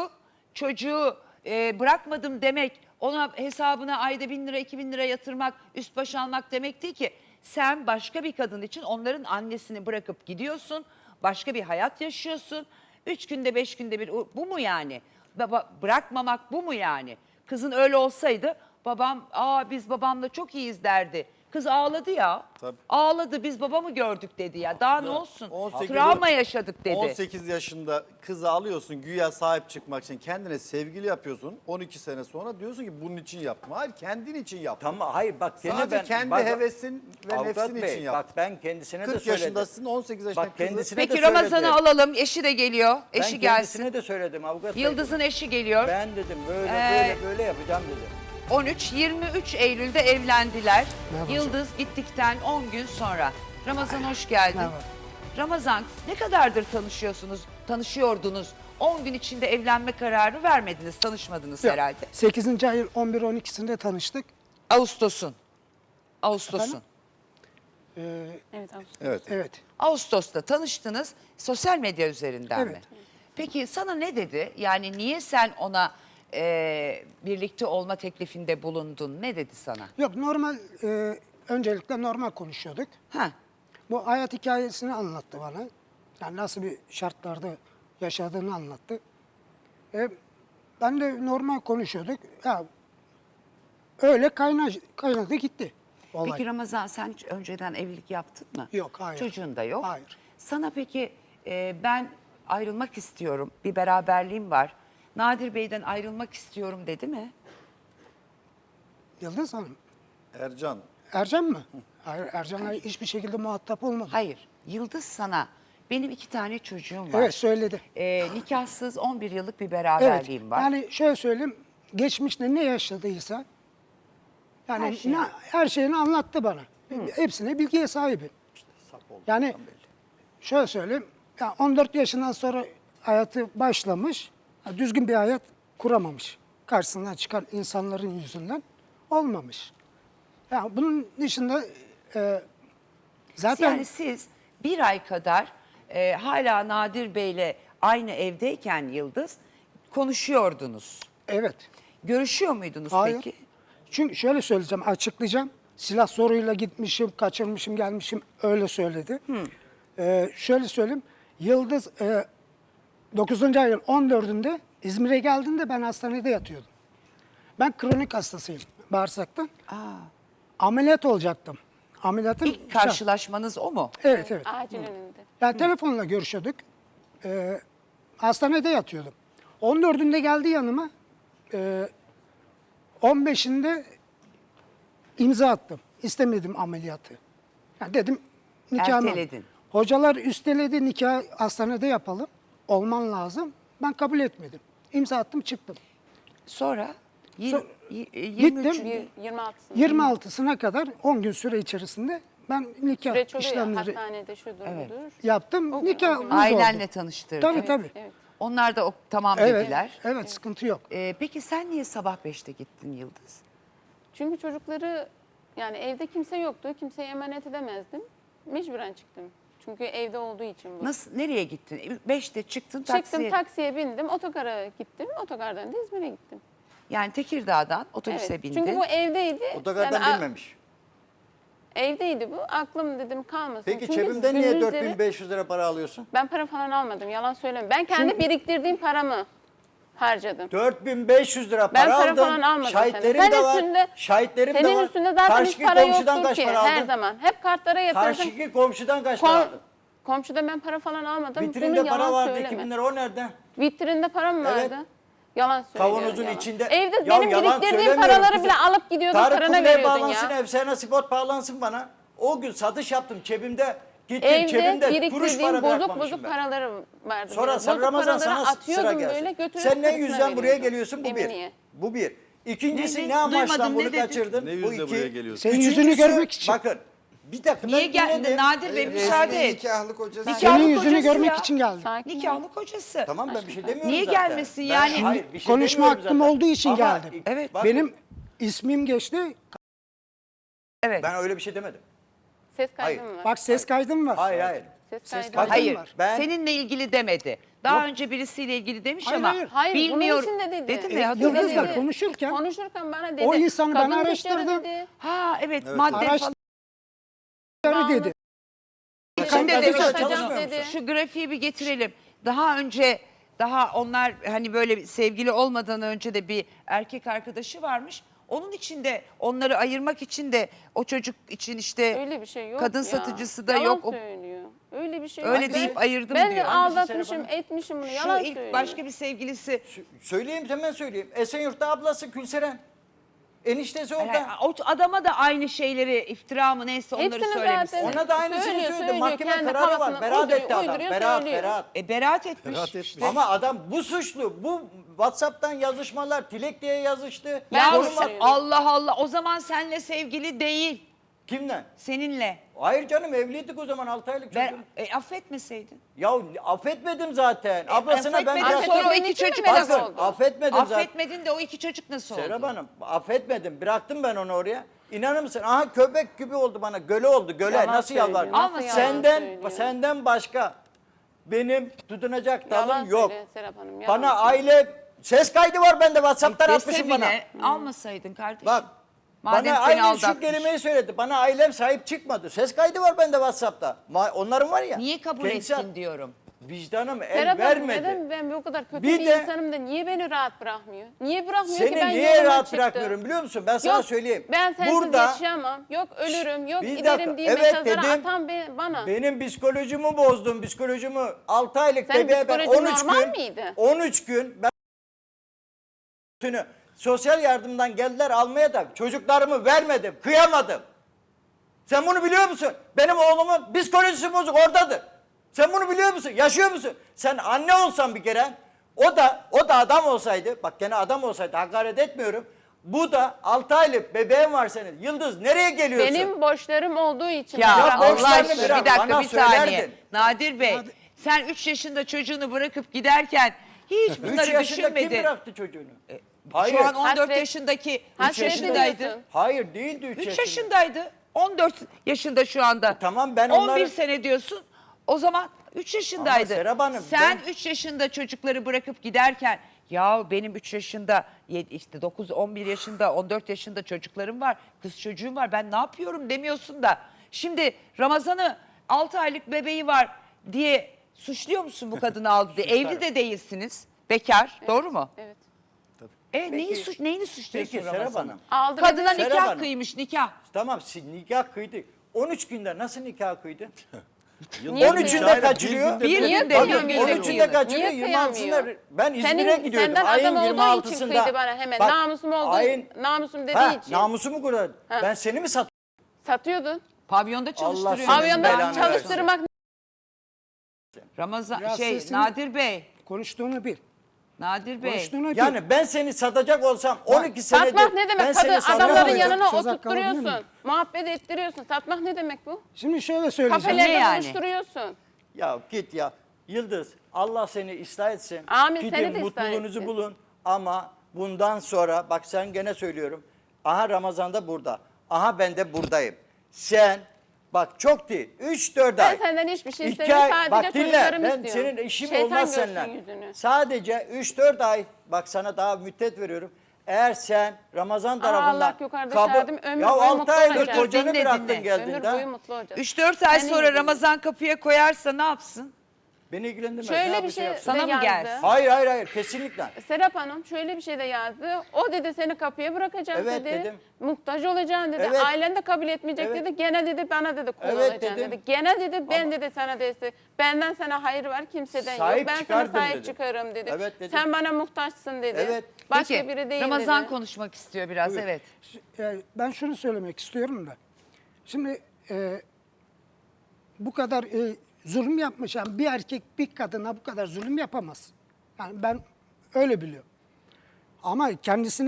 S1: çocuğu bırakmadım demek, ona hesabına ayda 1.000 lira 2.000 lira yatırmak, üst baş almak demek değil ki. Sen başka bir kadın için onların annesini bırakıp gidiyorsun, başka bir hayat yaşıyorsun. 3 günde 5 günde bir, bu mu yani? Bırakmamak bu mu yani? Kızın öyle olsaydı babam, biz babamla çok iyiyiz derdi. Kız ağladı ya.
S4: Tabii.
S1: Ağladı, biz babamı gördük dedi ya. Daha ne olsun?
S4: 18
S1: Travma yaşadık dedi.
S4: 18 yaşında kızı alıyorsun güya sahip çıkmak için kendine sevgili yapıyorsun. 12 sene sonra diyorsun ki bunun için yaptım. Hayır kendin için yaptım.
S3: Tamam hayır bak gene
S4: Sadece
S3: ben
S4: kendi
S3: bak,
S4: hevesin ve
S3: Avukat
S4: nefsin
S3: Bey,
S4: için yaptım.
S3: Bak ben kendisine de
S4: 40
S3: söyledim.
S4: yaşındasın 18 yaşında
S3: Bak kendisine
S1: Peki
S3: de
S1: Ramazan'ı
S3: söyledim.
S1: alalım. Eşi de geliyor.
S3: Ben
S1: Eşi gelsin.
S3: kendisine de söyledim avukat Bey.
S1: Yıldız'ın eşi geliyor.
S3: Ben dedim böyle böyle yapacağım dedim.
S1: 13-23 Eylül'de evlendiler. Yıldız gittikten 10 gün sonra. Ramazan hoş geldin. Ramazan ne kadardır tanışıyordunuz? 10 gün içinde evlenme kararı vermediniz, tanışmadınız
S7: Yok,
S1: herhalde.
S7: 8. ayın 11-12'sinde tanıştık.
S1: Ağustos'un.
S7: Efendim?
S2: Evet, Ağustos.
S4: Evet.
S7: Evet.
S1: Ağustos'ta tanıştınız sosyal medya üzerinden mi?
S7: Evet.
S1: Peki sana ne dedi? Yani niye sen ona birlikte olma teklifinde bulundun? Ne dedi sana?
S7: Yok normal, öncelikle normal konuşuyorduk.
S1: Ha,
S7: Bu hayat hikayesini anlattı bana. Yani nasıl bir şartlarda yaşadığını anlattı. Ben de normal konuşuyorduk. Ya, öyle kaynadı gitti olay.
S1: peki Ramazan sen hiç önceden evlilik yaptın mı?
S7: Yok, hayır.
S1: Çocuğun da yok.
S7: Hayır.
S1: Sana peki ben ayrılmak istiyorum, bir beraberliğim var. Nadir Bey'den ayrılmak istiyorum dedi mi?
S7: Yıldız Hanım.
S4: Ercan
S7: Ercan mı? Hayır, Ercan'la hiçbir şekilde muhatap olmadım.
S1: Hayır. Yıldız sana benim 2 tane çocuğum var.
S7: Evet söyledi.
S1: Nikahsız 11 yıllık bir
S7: Evet.
S1: beraberliğim var.
S7: Yani şöyle söyleyeyim. Geçmişte ne yaşadıysa yani her şeyini anlattı bana. Hepsine bilgiye sahibim. Yani şöyle söyleyeyim. Ya 14 yaşından sonra hayatı başlamış. Düzgün bir hayat kuramamış. Karşısından çıkan insanların yüzünden olmamış. Ya bunun dışında zaten
S1: Yani siz bir ay kadar hala Nadir Bey'le aynı evdeyken Yıldız konuşuyordunuz.
S7: evet.
S1: Görüşüyor muydunuz
S7: Hayır.
S1: peki?
S7: Çünkü şöyle söyleyeceğim, açıklayacağım. Silah zoruyla gitmişim, kaçırmışım, gelmişim öyle söyledi. Şöyle söyleyeyim. Yıldız 9. ayın 14'ünde İzmir'e geldiğinde ben hastanede yatıyordum. Ben kronik hastasıyım bağırsaktan. Ameliyat olacaktım. Ameliyatın
S1: İlk karşılaşmanız o mu?
S7: Evet evet.
S2: Acil önünde.
S7: Ya telefonla görüşüyorduk. Hastanede yatıyordum. 14'ünde geldi yanıma. 15'inde imza attım. İstemedim ameliyatı. Ya dedim nikahını.
S1: Erteledin.
S7: Hocalar üsteledi, nikah hastanede yapalım. Olman lazım. Ben kabul etmedim. İmza attım, çıktım.
S1: Sonra
S7: So-
S1: 23
S7: Gittim.
S2: 26'sında.
S7: 26'sına kadar 10 gün süre içerisinde ben nikah
S2: Süreç oluyor ya,
S7: işlemleri
S2: hastanede şudur budur.
S7: yaptım.
S2: O gün,
S7: Nikah
S2: o gün.
S1: ailenle tanıştırdın.
S7: Tabii tabii.
S2: Evet.
S1: Onlar da tamam
S7: Evet,
S1: dediler.
S7: evet sıkıntı yok.
S1: Peki sen niye sabah 5'te gittin Yıldız?
S2: Çünkü çocukları yani evde kimse yoktu. Kimseye emanet edemezdim. Mecburen çıktım. Çünkü evde olduğu için bu.
S1: Nasıl, nereye gittin? 5'te çıktın
S2: Çıktım
S1: taksiye.
S2: taksiye bindim. Otogara gittim. Otogardan da İzmir'e gittim.
S1: Yani Tekirdağ'dan otobüse
S2: Evet.
S1: bindin.
S2: Çünkü bu evdeydi.
S3: Otogardan
S2: Yani
S3: bilmemiş.
S2: evdeydi bu. Aklım dedim kalmasın.
S3: Peki
S2: Çünkü
S3: cebimden niye
S2: gündüzleri-
S3: 4500 lira para alıyorsun?
S2: Ben para falan almadım. Yalan söyleme. Ben kendi biriktirdiğim paramı harcadım.
S3: 4500 lira
S2: Ben
S3: para
S2: para
S3: aldım.
S2: falan almadım.
S3: Şahitlerim
S2: Sen
S3: de var.
S2: üstünde-
S3: Şahitlerim de
S2: Senin
S3: var.
S2: üstünde zaten hiç
S3: Karşıki
S2: para
S3: komşudan
S2: yoktu
S3: kaç
S2: ki
S3: para aldın?
S2: her zaman. Hep kartlara yatırdım.
S3: Karşıki komşudan kaç para aldın?
S2: Komşuda ben para falan almadım.
S3: Vitrinde
S2: Bunu
S3: para
S2: yalan
S3: vardı
S2: söyleme.
S3: 2000 lira o nerede?
S2: Vitrinde para mı
S3: Evet.
S2: vardı? Yalan söylüyorum.
S3: Kavanozun
S2: yalan.
S3: içinde.
S2: Evde
S3: Ya
S2: benim
S3: yalan
S2: biriktirdiğim
S3: söylemiyorum
S2: paraları
S3: kızım.
S2: bile alıp gidiyordun,
S3: Tarık
S2: parana
S3: Kubilay
S2: veriyordun
S3: bağlansın,
S2: ya.
S3: Efsane Spot bağlansın bana. O gün satış yaptım cebimde. Gittim
S2: Evde
S3: cebimde kuruş
S2: biriktirdiğim
S3: para
S2: bozuk
S3: bırakmamışım
S2: bozuk
S3: ben.
S2: paraları vardı.
S3: Sonra
S2: benim.
S3: sen
S2: Bozuk
S3: Ramazan
S2: paraları
S3: sana sıra
S2: atıyordum
S3: gelsin.
S2: böyle götürüp
S3: Sen ne
S2: karısına
S3: yüzden buraya
S2: veriyordum.
S3: geliyorsun? Bu bir.
S2: Eminiye.
S3: Bu bir. İkincisi
S1: Ne-
S3: ne amaçla
S1: duymadım,
S3: bunu
S1: ne dedin?
S3: kaçırdın?
S4: Ne
S3: Bu
S4: yüzle
S3: iki.
S4: buraya geliyorsun?
S7: Senin yüzünü
S3: Üçüncüsü,
S7: görmek için.
S3: Bakın bir dakika
S1: Niye
S3: ben
S1: geldin
S3: dinledim.
S1: Nadir Bey, müsaade
S5: Resmi
S1: et.
S5: nikahlı kocası.
S1: Nikah-
S7: Senin
S1: Nikahlı
S7: yüzünü
S1: kocası
S7: görmek
S1: ya.
S7: için geldim.
S2: Sakin ol.
S1: Nikahlı kocası.
S3: Tamam ben bir şey demiyorum
S1: Niye
S3: zaten.
S1: gelmesin
S3: Ben-
S1: yani?
S3: hayır, bir şey
S7: Konuşma
S3: demiyorum
S7: hakkım
S3: zaten.
S7: olduğu için
S3: Ama
S7: geldim.
S1: Evet.
S3: bakın,
S7: Benim ismim geçti.
S1: Evet.
S3: ben öyle bir şey demedim.
S2: Ses kaydı
S3: Hayır.
S2: mı var?
S7: Bak ses kaydım var.
S3: Hayır hayır.
S2: Ses
S7: ses
S2: kaydı
S7: kaydı
S2: var.
S1: Hayır.
S7: var.
S3: Ben-
S1: Seninle ilgili demedi. Daha önce birisiyle ilgili demiş
S7: Hayır,
S1: ama
S7: hayır.
S2: Hayır,
S1: bilmiyorum.
S2: bunun için de dedi.
S1: Dedi mi? Hatırlamıyorum.
S7: Yıldız'la
S2: Dedi.
S7: konuşurken
S2: Konuşurken bana dedi.
S7: o insanı ben
S2: kadın teşhiri
S7: araştırdım.
S2: dedi.
S1: Ha evet, madde
S7: Araştır-
S1: falan.
S7: dedi.
S1: Şimdi
S3: Sen
S1: de
S3: kadınla
S1: şu-
S3: çalışmıyor
S2: dedi.
S3: musun?
S1: Şu grafiği bir getirelim. Daha onlar hani böyle sevgili olmadan önce de bir erkek arkadaşı varmış. Onun için de onları ayırmak için de o çocuk için işte
S2: Öyle bir şey yok
S1: kadın
S2: ya.
S1: satıcısı da
S2: Yalan
S1: yok. O,
S2: söylüyor. Öyle bir şey
S1: Öyle
S2: yok.
S1: deyip ayırdım
S2: ben
S1: diyor.
S2: de aldatmışım, etmişim bunu.
S1: şu
S2: Yalan
S1: ilk
S2: söylüyor.
S1: başka bir sevgilisi
S3: Söyleyeyim, hemen söyleyeyim. Esenyurt'ta ablası Gülseren. Eniştesi orada.
S1: yani o adama da aynı şeyleri iftira mı neyse onları
S2: Hepsini
S1: söylemişsin.
S2: zaten-
S3: Ona da aynısını
S2: Söylüyor,
S3: söyledi.
S2: söylüyor.
S3: Mahkeme
S2: Kendi
S3: kararı var.
S2: kafasına
S3: Beraat
S2: uyduruyor,
S3: etti adam.
S2: uyduruyor,
S3: Beraat,
S2: söylüyor.
S3: beraat.
S1: Beraat etmiş.
S4: Beraat etmiş.
S3: Ama adam bu suçlu. Bu WhatsApp'tan yazışmalar, Tilek diye yazıştı.
S2: Ben
S1: Ya
S2: de
S3: Konum at-
S2: söylüyorum.
S1: Allah Allah, o zaman seninle sevgili değil,
S3: Kimden?
S1: seninle.
S3: Hayır canım, evliydik o zaman 6 aylık çocuğum.
S1: Affetmeseydin.
S3: Ya affetmedim zaten. Ablasına ben
S1: affetmedin,
S3: biraz...
S1: sonra o
S2: Affetmediğin
S1: iki
S2: için mi
S1: çocuk
S2: merak
S1: nasıl
S3: Bakın,
S2: oldu?
S3: affetmedim zaten.
S1: Affetmedin de o iki çocuk nasıl oldu?
S3: Serap Hanım, affetmedim. Bıraktım ben onu oraya. İnanır mısın? Aha, köpek gibi oldu bana. Göle oldu, göle.
S2: Yalan
S3: Nasıl
S2: söylüyor,
S3: yalvardım?
S2: nasıl yalan söylüyor?
S3: Senden başka benim tutunacak
S2: Yalan
S3: dalım yok.
S2: söylüyor Serap Hanım. Yalan
S3: Bana
S2: söylüyor.
S3: aile... Ses kaydı var bende, WhatsApp'tan
S1: Dese
S3: atmışım bana.
S1: bile almasaydın kardeşim.
S3: Bak,
S1: Madem
S3: bana
S1: seni
S3: aynen şu
S1: aldatmış.
S3: kelimeyi söyledi. Bana ailem sahip çıkmadı. Ses kaydı var bende WhatsApp'ta. Onların var ya.
S1: Niye kabul
S3: kendisi-
S1: ettin diyorum.
S3: Vicdanım el
S2: Serap Hanım,
S3: vermedi.
S2: neden ben bu kadar kötü
S3: Bir
S2: bir,
S3: de-
S2: insanım da niye beni rahat bırakmıyor? Niye bırakmıyor ki
S3: Seni
S2: ben
S3: niye
S2: yoluma
S3: rahat
S2: çıktım?
S3: bırakmıyorum biliyor musun? Ben sana
S2: Yok,
S3: söyleyeyim.
S2: ben sensiz
S3: Burada
S2: yaşayamam. Yok ölürüm, yok
S3: Bir
S2: giderim
S3: dakika,
S2: diye
S3: evet
S2: mesajları
S3: dedim.
S2: atan bana.
S3: benim psikolojimi bozdun. Psikolojimi 6 aylık
S2: Senin
S3: bebeğe ben
S2: psikolojin
S3: 13
S2: normal
S3: gün
S2: miydi?
S3: 13 gün ben sosyal yardımdan geldiler almaya da çocuklarımı vermedim. Kıyamadım. Sen bunu biliyor musun? Benim oğlumun psikolojisi bozuk oradadır. Sen bunu biliyor musun? Yaşıyor musun? Sen anne olsan bir kere o da adam olsaydı, bak gene adam olsaydı, hakaret etmiyorum. Bu da 6 aylık bebeğin var senin. Yıldız nereye geliyorsun?
S2: Benim borçlarım olduğu için.
S1: Ya,
S2: bana
S3: Ya
S1: Allah
S3: borçlarını
S1: aşkına
S3: bırak,
S1: bir dakika
S3: bana
S1: bir saniye.
S3: söylerdin.
S1: Nadir Bey sen 3 yaşında çocuğunu bırakıp giderken hiç
S3: 3
S1: bunları
S3: yaşında kim
S1: düşünmedin.
S3: bıraktı çocuğunu? Hayır.
S1: Şu an 14
S2: Hasret-
S1: yaşındaki 3
S2: hasret
S1: yaşındaydı.
S2: ediyorsun.
S3: Hayır değildi 3
S1: 3
S3: yaşında.
S1: yaşındaydı. 14 yaşında şu anda.
S3: Tamam, ben
S1: 11
S3: onları-
S1: sene diyorsun. O zaman 3 yaşındaydı.
S3: Ama Serap Hanım,
S1: Sen
S3: ben-
S1: 3 yaşında çocukları bırakıp giderken ya benim 3 yaşında işte 9 11 yaşında 14 yaşında çocuklarım var. Kız çocuğum var. Ben ne yapıyorum demiyorsun da. Şimdi Ramazan'ı 6 aylık bebeği var diye suçluyor musun bu kadını aldı diye? Evli de değilsiniz. Bekar. Doğru mu?
S2: Evet.
S1: Neyini suçluyorsun
S3: Peki Serap
S1: Ramazan'ı?
S3: Hanım.
S2: Aldı
S1: Kadına
S2: beni.
S3: Serap
S1: nikah
S3: Hanım.
S1: kıymış nikah.
S3: Tamam, nikah kıydı. 13 günde nasıl nikah kıydı?
S2: Niye
S3: 13'ünde kaçırıyor.
S1: Bir
S2: Niye
S1: günde
S2: kıyamıyor?
S1: bir
S3: 13'ünde kaçırıyor.
S2: Niye
S3: 26'sında
S2: kıyamıyor?
S3: ben İzmir'e gidiyordum.
S2: Senden
S3: Ayın
S2: adam olduğu için
S3: 26'sında.
S2: kıydı bana hemen.
S3: Bak,
S2: Namusum olduğu
S3: ayın-
S2: namusum dediği
S3: Ha,
S2: için.
S3: namusumu kurardı.
S2: Ha.
S3: Ben seni mi sattım?
S2: Satıyordun.
S1: Pavyonda çalıştırıyor.
S3: senin
S2: Pavyonda
S3: belanı
S2: çalıştırmak
S1: Ramazan
S7: Biraz
S1: şey
S7: sesini-
S1: Nadir Bey.
S7: Konuştuğunu bil.
S1: Nadir Bey.
S7: Konuştuğunu bil.
S3: Yani ben seni satacak olsam 12 senedir
S2: satmak ne
S3: ben
S2: demek?
S3: seni
S2: Kadın
S3: satamam.
S2: adamların yanına
S7: Söz hakkı alabilir
S2: oturtturuyorsun.
S7: miyim?
S2: Muhabbet ettiriyorsun. Satmak ne demek bu?
S7: Şimdi şöyle söyleyeceğim.
S2: Kafelerde
S1: yani?
S2: buluşturuyorsun.
S3: Ya git ya. Yıldız, Allah seni ıslah etsin.
S2: Amin,
S3: Gidin
S2: seni de ıslah
S3: mutluluğunuzu
S2: etsin.
S3: bulun. Ama bundan sonra bak sen gene söylüyorum. Aha Ramazan'da burada. Aha ben de buradayım. Sen bak çok değil. 3-4
S2: Ben
S3: ay.
S2: senden hiçbir şey
S3: 2
S2: istemiyorum.
S3: ay.
S2: Sadece
S3: Bak dinle.
S2: çocuklarımı
S3: Ben
S2: istiyorum.
S3: senin işim
S2: Şeytan
S3: olmaz
S2: görsün
S3: seninle.
S2: yüzünü.
S3: Sadece 3-4 ay. Bak sana daha müddet veriyorum. Eğer sen Ramazan tarafından
S2: Allah yukarıda şahidim, ömür
S3: ya
S2: boyu
S3: 6
S2: mutlu
S3: aydır
S2: olacağım.
S3: kocanı
S1: Dinle,
S3: bıraktın
S1: dinle.
S3: geldin
S2: Ömür
S3: de.
S2: boyu mutlu olacağız.
S1: 3-4 ay
S2: Senin
S1: sonra
S2: gibi.
S1: Ramazan kapıya koyarsa ne yapsın?
S3: Beni ilgilendirmez.
S2: Şöyle
S3: Ne
S2: bir şey
S3: yapsa
S1: Sana
S2: de
S1: mı
S2: yazdı.
S1: gelsin?
S3: Hayır kesinlikle.
S2: Serap Hanım şöyle bir şey de yazdı. O dedi seni kapıya bırakacağım
S3: Evet,
S2: dedi.
S3: dedim.
S2: Muhtaç olacaksın dedi.
S3: Evet.
S2: Ailen de kabul etmeyecek
S3: Evet.
S2: dedi. Gene dedi bana dedi kul
S3: Evet,
S2: olacaksın
S3: dedim.
S2: dedi. Gene dedi ben dedi sana dedi. Benden sana hayır var kimseden
S3: Sahip
S2: yok. Ben sana
S3: çıkardım
S2: sahip
S3: dedim.
S2: çıkarım dedi.
S3: Evet, dedim.
S2: Sen bana muhtaçsın dedi.
S3: Evet.
S2: Başka
S1: Peki,
S2: biri değil
S1: Ramazan
S2: dedi.
S1: konuşmak istiyor biraz
S3: Buyur.
S1: evet.
S7: Ben şunu söylemek istiyorum da. Şimdi bu kadar zulüm yapmış. Yani bir erkek bir kadına bu kadar zulüm yapamaz. Yani ben öyle biliyorum. Ama kendisine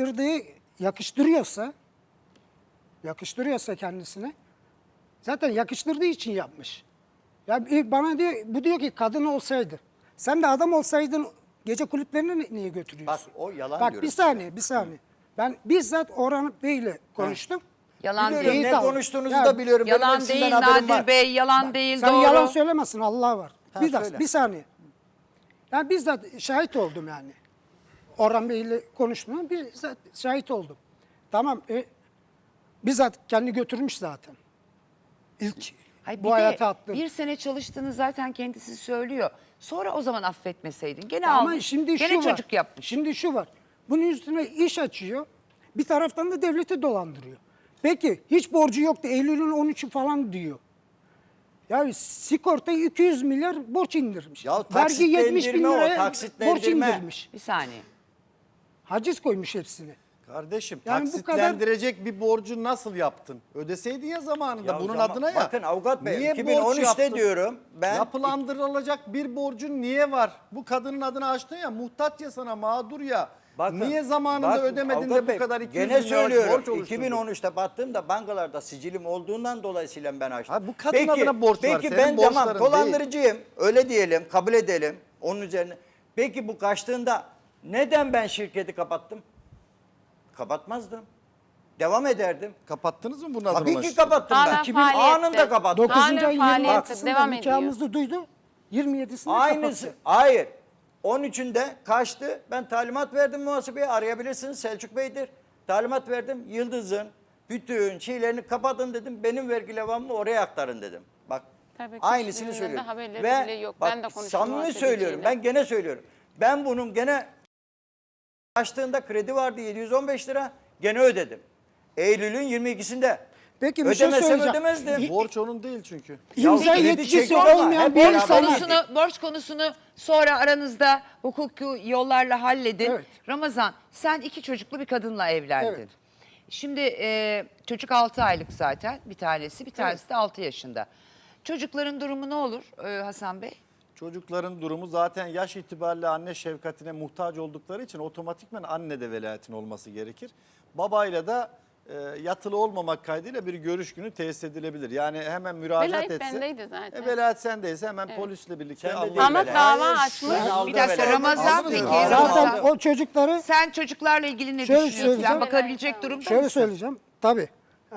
S7: yakıştırıyorsa kendisine zaten yakıştırdığı için yapmış. Ya bana diyor, bu diyor ki kadın olsaydı. Sen de adam olsaydın gece kulüplerine niye götürüyorsun?
S3: Bak o yalan
S7: Bak
S3: diyorum.
S7: bir saniye. Ben bizzat Orhan Bey'le konuştum.
S1: Yalan
S3: Biliyorum,
S1: değil.
S7: İyi,
S3: ne
S7: tamam.
S3: konuştuğunuzu
S7: Ya,
S3: da biliyorum. Benim
S1: Yalan
S3: hepsinden
S1: değil
S3: haberim var.
S1: Nadir Bey, yalan değil
S7: Sen
S1: doğru.
S7: yalan söylemesin, Allah var.
S3: Ha, söyle.
S7: Bir saniye. Ben bizzat şahit oldum yani. Orhan Bey'le konuştuğuma bizzat şahit oldum. Tamam, bizzat kendi götürmüş zaten. İlk
S1: Hayır,
S7: bu
S1: bir de
S7: hayata attım.
S1: bir sene çalıştığını zaten kendisi söylüyor. Sonra o zaman affetmeseydin. Gene
S7: Ama
S1: almış.
S7: şimdi
S1: Gene
S7: şu var.
S1: çocuk yapmış.
S7: Şimdi şu var. Bunun üstüne iş açıyor. Bir taraftan da devleti dolandırıyor. Peki hiç borcu yoktu. Eylül'ün 13'ü falan diyor. Ya sigortayı 200 milyar borç indirmiş.
S3: Ya
S7: Vergi 70 bin
S3: taksitlendirme o,
S7: liraya borç
S3: taksitlendirme.
S7: indirmiş.
S1: Bir saniye.
S7: Haciz koymuş hepsine.
S4: Kardeşim
S7: Yani bu
S4: taksitlendirecek bir borcu nasıl yaptın? Ödeseydin ya zamanında
S3: Ya
S4: bunun
S3: zaman-
S4: adına ya.
S3: Bakın avukat bey,
S4: Niye borç
S3: 2013'te
S4: yaptın?
S3: diyorum ben-
S4: Yapılandırılacak bir borcun niye var? Bu kadının adını açtın ya, muhtaç ya sana, mağdur ya.
S3: Bakın,
S4: niye zamanında
S3: bakın
S4: ödemedin
S3: avukat
S4: de
S3: bey,
S4: bu kadar 200
S3: gene
S4: bin liralık
S3: söylüyorum,
S4: borç oluşturdun?
S3: 2013'te baktığımda bankalarda sicilim olduğundan dolayısıyla ben açtım.
S4: Ha, bu kadın adına borç var,
S3: Peki
S4: senin
S3: ben tamam
S4: borçların
S3: dolandırıcıyım öyle diyelim, kabul edelim onun üzerine. Peki bu kaçtığında neden ben şirketi kapattım? Kapatmazdım. Devam ederdim.
S4: Kapattınız mı bunun adına?
S3: Tabii ki
S4: ulaştın?
S3: kapattım
S2: Hala
S3: ben.
S2: 2000
S3: Anında kapattım.
S7: 9.
S2: Hala
S7: ayın
S2: faaliyette
S7: 26'sında
S2: devam ediyor.
S7: nikahımızı duydu. 27'sinde
S3: Aynısı.
S7: kapattı.
S3: Hayır. 13'ünde kaçtı. Ben talimat verdim muhasebeye. Arayabilirsiniz, Selçuk Bey'dir. Talimat verdim. Yıldız'ın bütün şeylerini kapatın dedim. Benim vergi levhamımı oraya aktarın dedim. Bak
S2: Tabii ki
S3: aynısını
S2: hiçbirinden de
S3: söylüyorum.
S2: haberleri
S3: Ve
S2: bile yok.
S3: bak,
S2: Ben de konuştum
S3: samimi
S2: muhasebeciyle.
S3: söylüyorum. Ben gene söylüyorum. Ben bunun gene açtığında kredi vardı 715 lira. Gene ödedim. Eylül'ün 22'sinde.
S7: Peki bir şey
S3: Ödemesem
S7: söyleyeceğim.
S3: ödemezdim.
S4: Borç onun değil çünkü.
S7: İmza
S3: kredi
S7: yetkisi
S3: çekme ama
S7: olmayan
S3: hep
S7: bir
S3: beraber
S7: insana
S1: Borç konusunu sonra aranızda hukuki yollarla halledin.
S7: Evet.
S1: Ramazan, sen 2 çocuklu bir kadınla evlendin.
S7: Evet.
S1: Şimdi çocuk 6 aylık zaten bir tanesi, bir tanesi de 6 yaşında. Çocukların durumu ne olur Hasan Bey?
S4: Çocukların durumu zaten yaş itibariyle anne şefkatine muhtaç oldukları için otomatikman anne de velayetin olması gerekir. Babayla da yatılı olmamak kaydıyla bir görüş günü tesis edilebilir. Yani hemen müracaat
S2: Velayet
S4: etse.
S2: bendeydi zaten.
S4: Velayet sendeyse hemen polisle birlikte
S3: Sen de
S4: Allah-
S3: değil
S2: Ama
S3: velayet.
S2: dava açmış.
S3: Ben aldım
S1: Bir dakika
S3: velayet.
S1: Ramazan
S4: Aldım
S1: peki.
S4: velayet.
S1: Ramazan,
S7: zaten o çocukları
S1: sen çocuklarla ilgili ne
S7: Şöyle
S1: düşünüyorsun?
S7: söyleyeceğim.
S1: Sen bakabilecek durumda
S7: şöyle
S1: mısın?
S7: söyleyeceğim. Tabii.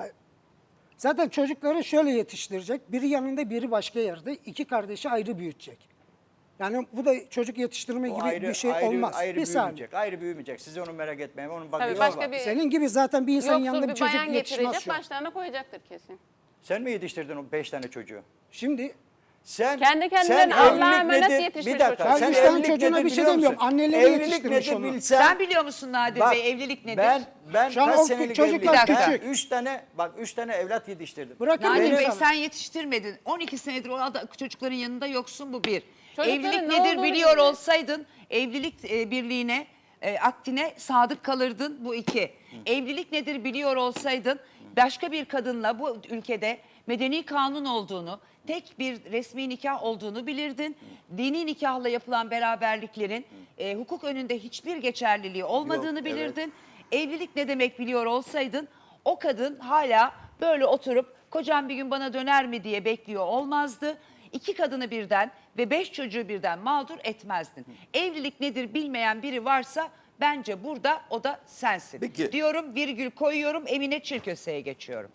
S7: Zaten çocukları şöyle yetiştirecek. Biri yanında, biri başka yerde. 2 kardeşi ayrı büyütecek. Yani bu da çocuk yetiştirme
S3: O
S7: gibi bir şey olmaz.
S3: Ayrı
S7: Bir saniye.
S3: büyümeyecek. Ayrı büyümeyecek. Siz onu merak etmeyin. Onun
S2: Tabii
S3: bakıcısı
S2: başka
S3: var.
S2: bir
S7: Senin gibi zaten bir insanın yanında
S2: yoksul
S7: bir
S2: bir
S7: çocuk
S2: bayan
S7: yetişmez
S2: getirecek,
S7: şu an.
S2: başlarına koyacaktır kesin.
S3: Sen mi yetiştirdin o 5 tane çocuğu?
S7: Şimdi
S3: Sen
S2: Kendi kendilerine
S3: sen
S2: Allah'a
S3: evlilik
S2: emanet
S3: nedir?
S2: yetişmiş
S3: Bir dakika.
S7: Ben
S3: Sen
S7: üç tane
S3: evlilik
S7: çocuğuna
S3: nedir
S7: bir şey
S3: biliyor
S7: demiyorum.
S3: musun?
S7: Anneleri
S3: Evlilik
S7: yetiştirmiş
S3: nedir
S7: onu.
S3: bilsen.
S1: Sen biliyor musun Nadir
S3: Bak,
S1: Bey evlilik nedir?
S3: Ben
S7: Şu an
S3: kaç
S7: o
S3: senelik
S7: çocuklar
S3: evliyim? Ben
S7: küçük.
S3: 3 tane evlat yetiştirdim.
S7: bırakın
S1: Nadir
S7: beni
S1: Bey
S7: sana.
S1: sen yetiştirmedin. 12 senedir o çocukların yanında yoksun bu bir.
S2: Çocukların
S1: Evlilik
S2: ne
S1: nedir
S2: olduğunu
S1: biliyor
S2: bilmiyor.
S1: olsaydın evlilik birliğine, akdine sadık kalırdın bu 2. Evlilik nedir biliyor olsaydın başka bir kadınla bu ülkede medeni kanun olduğunu, tek bir resmi nikah olduğunu bilirdin. Dini nikahla yapılan beraberliklerin hukuk önünde hiçbir geçerliliği olmadığını
S3: Yok,
S1: bilirdin. Evlilik ne demek biliyor olsaydın o kadın hala böyle oturup kocam bir gün bana döner mi diye bekliyor olmazdı. 2 kadını birden ve 5 çocuğu birden mağdur etmezdin. Evlilik nedir bilmeyen biri varsa bence burada o da sensin.
S3: Peki.
S1: Diyorum virgül koyuyorum Emine Çirköse'ye geçiyorum.